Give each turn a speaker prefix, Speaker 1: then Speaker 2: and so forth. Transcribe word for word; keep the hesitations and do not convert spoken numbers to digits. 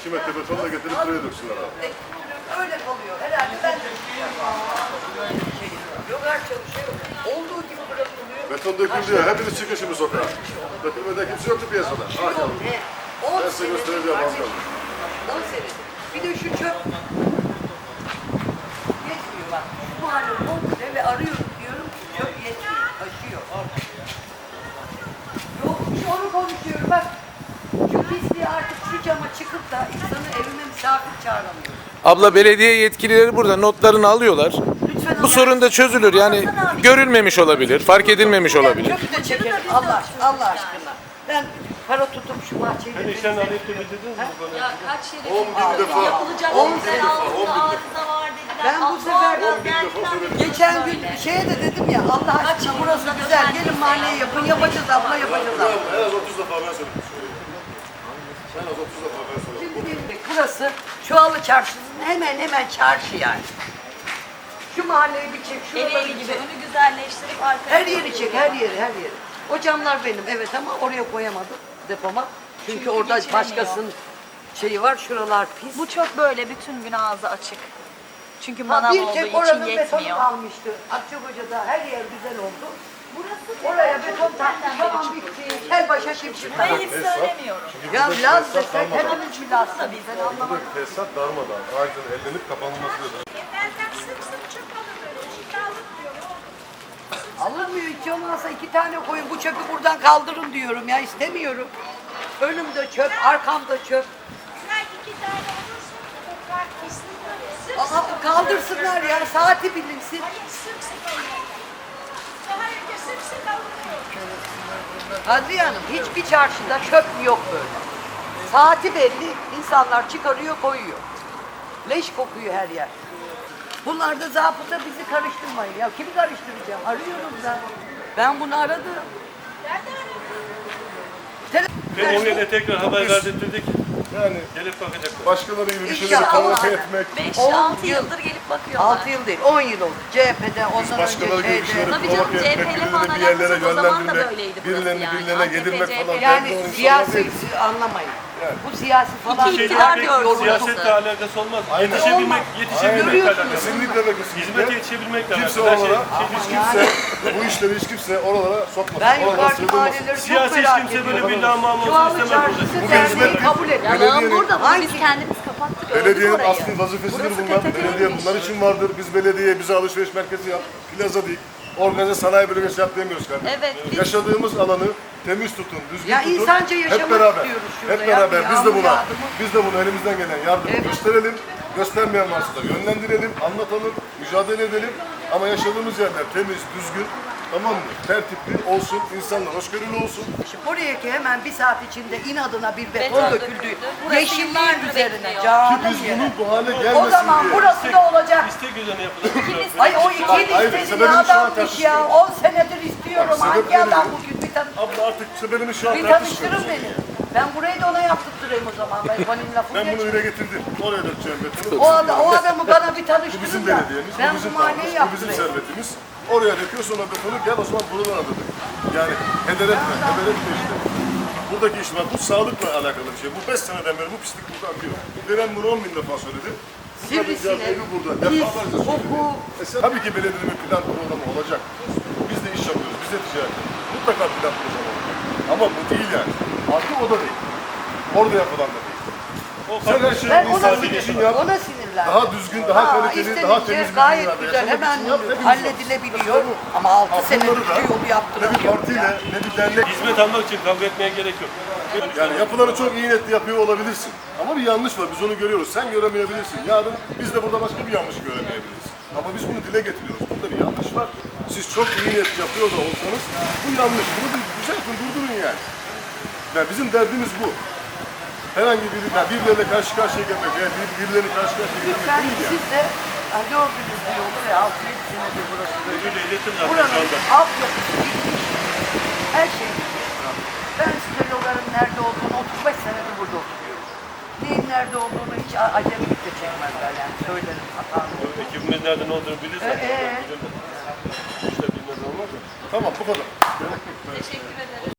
Speaker 1: iki metre beton da getirip buraya döksünler abi.
Speaker 2: Öyle kalıyor. Herhalde ben de şey yogar çalışıyor. Olduğu gibi bırakılıyor.
Speaker 1: Beton döküldü ya. Hepiniz çıkın şimdi sokağa. Dökülmede kimse yoktu piyasada. Ha,
Speaker 2: Yok ne? on
Speaker 1: ben size göstereceğim az kaldı.
Speaker 2: on sene. Bir de şu çöp yetmiyor bak. Şu mahalle komple ve arıyorum diyorum ki çöp yetmiyor. Taşıyor. Yok şu onu konuşuyorum bak. Şu pisliği artık şu cama çıkıp da insanı evime misafir çağıramıyor.
Speaker 3: Abla belediye yetkilileri burada notlarını alıyorlar.
Speaker 2: Lütfen
Speaker 3: Bu sorun da çözülür. Yani görülmemiş olabilir, fark edilmemiş olabilir.
Speaker 2: Çöpü de çekelim Allah, Allah aşkına. Ben para tutup şu bahçeyi...
Speaker 4: Sen işten arayıp da bitirdiniz mi bu konuyu?
Speaker 5: Ya kaç yere
Speaker 1: On bin defa.
Speaker 5: yapılacak
Speaker 2: On
Speaker 5: güzel
Speaker 2: bin defa,
Speaker 5: altında arıza var dediler.
Speaker 2: Ben bu
Speaker 5: Allah
Speaker 2: sefer
Speaker 5: Allah,
Speaker 1: on bin defa
Speaker 5: geldiler
Speaker 1: söyledim.
Speaker 5: dediler
Speaker 2: Geçen gün
Speaker 5: böyle.
Speaker 2: şeye de dedim ya Allah aşkına burası güzel gelin mahalleye yapın yapacağız abla yapacağız abla.
Speaker 1: En az otuz defa ben söyledim. En az otuz defa ben söyledim.
Speaker 2: Şimdi benim de burası Çuvalı Çarşısı'nın hemen hemen çarşı yani. Şu mahalleyi bir çek, şuraları
Speaker 5: Ereğli
Speaker 2: bir
Speaker 5: gibi
Speaker 2: çek.
Speaker 5: önü güzelleştirip arkaya
Speaker 2: Her yeri çek, her yeri, her yeri. O camlar benim evet ama oraya koyamadım depoma. Çünkü,
Speaker 5: Çünkü
Speaker 2: orada
Speaker 5: geçiremiyor.
Speaker 2: başkasının şeyi var, şuralar pis.
Speaker 5: Bu çok böyle bütün gün ağzı açık. Çünkü
Speaker 2: Ha,
Speaker 5: manav
Speaker 2: bir
Speaker 5: olduğu
Speaker 2: tek
Speaker 5: için
Speaker 2: oranın betonu
Speaker 5: yetmiyor.
Speaker 2: kalmıştı. Akçakoca'da her yer güzel oldu. Oraya beton taktı, tamam bitti. Kel başa şimşir
Speaker 5: Ben
Speaker 2: tamam.
Speaker 5: hiç söylemiyorum.
Speaker 2: Ya Laz desek hepimiz bir Laz tabii. Ben anlamadım.
Speaker 1: Buradaki tesisat darmadan, ağacın ellenip kapanılması da.
Speaker 6: Benden sık sık çöp alınıyor. Şimdi alınmıyor.
Speaker 2: Alınmıyor hiç olmazsa iki tane koyun. Bu çöpü buradan kaldırın diyorum ya istemiyorum. Önümde çöp, arkamda çöp.
Speaker 6: Her iki tane olursa toprak kesinlikle sık sık.
Speaker 2: Aa, kaldırsınlar ya saati bilinsin.
Speaker 6: Hayır sık sık alınıyor. Daha önce sık sık alınıyor.
Speaker 2: Kadriye Hanım hiçbir çarşıda çöp yok böyle. Saati belli, insanlar çıkarıyor koyuyor. Leş kokuyor her yer. Bunlar da zabıta bizi karıştırmayın. Ya kimi karıştıracağım? Arıyorum ben. Ben bunu aradım.
Speaker 4: Ve oraya da tekrar haber verdirdik.
Speaker 1: Yani
Speaker 4: Gelip bakacaklar.
Speaker 1: başkaları gibi bir şeyleri
Speaker 2: İnşallah.
Speaker 1: provoke etmek.
Speaker 5: beş
Speaker 2: On
Speaker 5: altı
Speaker 2: yıl.
Speaker 5: yıldır gelip bakıyorlar.
Speaker 2: altı yıl değil, on yıl oldu. C H P'de, ondan
Speaker 1: Başkaları
Speaker 2: önce
Speaker 1: gibi bir
Speaker 2: şeyde.
Speaker 1: şeyleri
Speaker 5: Tabii canım,
Speaker 1: provoke etmek,
Speaker 5: C H P'yle falan
Speaker 1: birilerini bir yerlere
Speaker 5: alakası o zaman da
Speaker 1: yönlendirmek,
Speaker 5: böyleydi burası
Speaker 1: birilerini
Speaker 5: yani.
Speaker 1: birilerine
Speaker 5: A K P,
Speaker 1: yedirmek
Speaker 5: C H P.
Speaker 1: falan.
Speaker 2: Yani
Speaker 1: Ben de o
Speaker 2: siyasi
Speaker 1: insanlar
Speaker 2: anlamayın. Bu siyasi falan
Speaker 5: İki
Speaker 2: değil.
Speaker 5: iktidar
Speaker 2: Artık
Speaker 5: gördü.
Speaker 2: yoruldu.
Speaker 4: Siyasetle alakası olmaz.
Speaker 1: Aynen.
Speaker 4: Yetişebilmek,
Speaker 2: Olmaz.
Speaker 4: yetişebilmekle
Speaker 2: Görüyorsunuz.
Speaker 4: alakalı.
Speaker 1: Kesinlikle ve kesinlikle.
Speaker 4: Hizmete yetişebilmekle
Speaker 1: Kimse
Speaker 4: alakalı. Her şey,
Speaker 1: oralara,
Speaker 4: şey,
Speaker 1: hiç kimse, bu işleri hiç kimse oralara sokmasın.
Speaker 2: Ben
Speaker 1: Oralara
Speaker 2: yukarıdaki
Speaker 1: sığdırmasın.
Speaker 2: mahalleleri çok
Speaker 4: siyasi hiç
Speaker 2: merak
Speaker 4: kimse
Speaker 2: ediyorum.
Speaker 4: böyle bir lağmam olsun
Speaker 2: Çuvalı
Speaker 4: istemez
Speaker 2: Çarşısı
Speaker 4: burada.
Speaker 1: Bugün
Speaker 2: derneği
Speaker 1: hizmet-
Speaker 2: kabul ediyor.
Speaker 5: Yalan
Speaker 1: Belediyenin-
Speaker 5: burada. Bunu
Speaker 2: Hangi-
Speaker 5: biz kendimiz kapattık. öldük
Speaker 1: Belediyenin
Speaker 5: orayı.
Speaker 1: asli vazifesidir
Speaker 5: Burası
Speaker 1: bunlar.
Speaker 5: P T T'nin
Speaker 1: Belediye
Speaker 5: işi.
Speaker 1: bunlar için vardır. Biz belediye bize alışveriş merkezi yap, plaza dik, organize sanayi bölgesi yap demiyoruz kardeşim.
Speaker 5: Evet, biz-
Speaker 1: Yaşadığımız alanı temiz tutun, düzgün
Speaker 2: Ya
Speaker 1: tutun.
Speaker 2: insanca yaşamak
Speaker 1: hep beraber,
Speaker 2: istiyoruz şurada
Speaker 1: hep
Speaker 2: ya.
Speaker 1: beraber
Speaker 2: Bir
Speaker 1: biz de
Speaker 2: yağmur
Speaker 1: buna,
Speaker 2: yağdı mı?
Speaker 1: biz de bunu elimizden gelen yardımı
Speaker 2: Evet.
Speaker 1: gösterelim. Göstermeyen varsa da yönlendirelim, anlatalım, mücadele edelim. Ama yaşadığımız yerler temiz, düzgün, tamam mı? Tertipli olsun, insanlar hoşgörülü olsun.
Speaker 2: Şimdi buraya ki hemen bir saat içinde inadına bir beton
Speaker 5: Beton
Speaker 2: döküldü.
Speaker 5: döküldü. Burası
Speaker 2: Yeşilliğin
Speaker 5: yıllardır
Speaker 2: üzerine
Speaker 5: bekliyor.
Speaker 2: canım
Speaker 1: Biz
Speaker 2: yere.
Speaker 1: bunun bu hale gelmesin
Speaker 2: O zaman
Speaker 1: diye.
Speaker 2: burası da olacak.
Speaker 4: İstek üzerine yapılır.
Speaker 2: Ay o iki
Speaker 1: Hayır,
Speaker 2: istediği
Speaker 1: sebebini şu an
Speaker 2: adammış ya.
Speaker 1: tartışmıyoruz.
Speaker 2: on senedir istiyorum.
Speaker 1: Bak,
Speaker 2: Hangi
Speaker 1: sebepleri
Speaker 2: adam
Speaker 1: yok.
Speaker 2: bugün bir tane
Speaker 1: Abla artık sebebini şu an
Speaker 2: bir
Speaker 1: tartışmıyoruz.
Speaker 2: tanıştırın beni. Ben burayı da ona yaptırtırayım o zaman. Ben benim lafım
Speaker 1: Ben bunu
Speaker 2: geçmiyor.
Speaker 1: dile getirdim. Oraya dökeceğim betonu.
Speaker 2: O, adam, o adamı bana bir
Speaker 1: Bu
Speaker 2: tanıştırın
Speaker 1: bizim
Speaker 2: da.
Speaker 1: belediyemiz,
Speaker 2: Ben
Speaker 1: bu
Speaker 2: bu
Speaker 1: bizim
Speaker 2: mahalleyi
Speaker 1: paramız, bu bizim
Speaker 2: yaptırayım.
Speaker 1: servetimiz. Oraya döküyor sonra betonu gel o zaman buradan adadık. Yani heder etme, heder etme işte. Buradaki iş var, bu sağlıkla alakalı bir şey. Bu beş seneden beri bu pislik burada akıyor. Deren bunu on bin defa söyledi.
Speaker 2: Sivrisinek,
Speaker 1: Evi burada,
Speaker 2: pis,
Speaker 1: defalarca söyledi.
Speaker 2: koku.
Speaker 1: E, tabii ki belediyenin bir plan programı olacak. Biz de iş yapıyoruz, biz de ticaret. Mutlaka plan programı olacak. Ama bu değil yani. Artık o da değil. Orada yapılan da değil.
Speaker 4: O
Speaker 1: Sen her
Speaker 4: farklı
Speaker 1: şeyi
Speaker 2: Ben ona,
Speaker 1: insanlık için
Speaker 2: sinirlendim.
Speaker 1: yap.
Speaker 2: ona sinirlendim.
Speaker 1: Daha düzgün, daha
Speaker 2: Aa,
Speaker 1: kaliteli, daha
Speaker 2: istedikçe
Speaker 1: temiz bir
Speaker 2: gayet
Speaker 1: dünyada
Speaker 2: güzel,
Speaker 1: yaşamak
Speaker 2: hemen
Speaker 1: için yap, hepimiz
Speaker 2: halledilebiliyor.
Speaker 1: var.
Speaker 2: Ama altı
Speaker 1: Ha,
Speaker 2: senedir
Speaker 1: bunları da
Speaker 2: şu yolu
Speaker 1: ne bir
Speaker 2: yaptıramıyorum
Speaker 1: partiyle,
Speaker 2: ya.
Speaker 1: ne bir dernek.
Speaker 4: hizmet almak için kavga etmeye gerek yok.
Speaker 1: Yani yapıları çok iyi niyetli yapıyor olabilirsin. Ama bir yanlış var, biz onu görüyoruz. Sen göremeyebilirsin. Yarın biz de burada başka bir yanlış göremeyebiliriz. Ama biz bunu dile getiriyoruz. Burada bir yanlış var. Siz çok iyi niyet yapıyor da olsanız bu yanlış. Bunu bir düzeltin, durdurun yani. Yani bizim derdimiz bu. Herhangi biri, yani birileriyle karşı karşıya gelmek, yani bir, birilerini karşı karşıya gelmek
Speaker 2: Lütfen
Speaker 1: değil yani.
Speaker 2: siz de ha, gördünüz bir yolu ve altı yedi senedir burası böyle.
Speaker 4: Müdürle iletin zaten şu
Speaker 2: Buranın
Speaker 4: anda.
Speaker 2: altyapısı bitmiş. Her şey bitmiş. Ben size yolların nerede olduğunu otuz beş senedir burada oturuyorum. Neyin nerede olduğunu hiç a- acemilik de çekmezler yani söylerim hatalı.
Speaker 4: Ekibimiz nerede ne olduğunu bilirsen.
Speaker 2: Ee, ee?
Speaker 4: İşte bilmez olmaz mı?
Speaker 1: Tamam, bu kadar.
Speaker 5: Teşekkür ederim.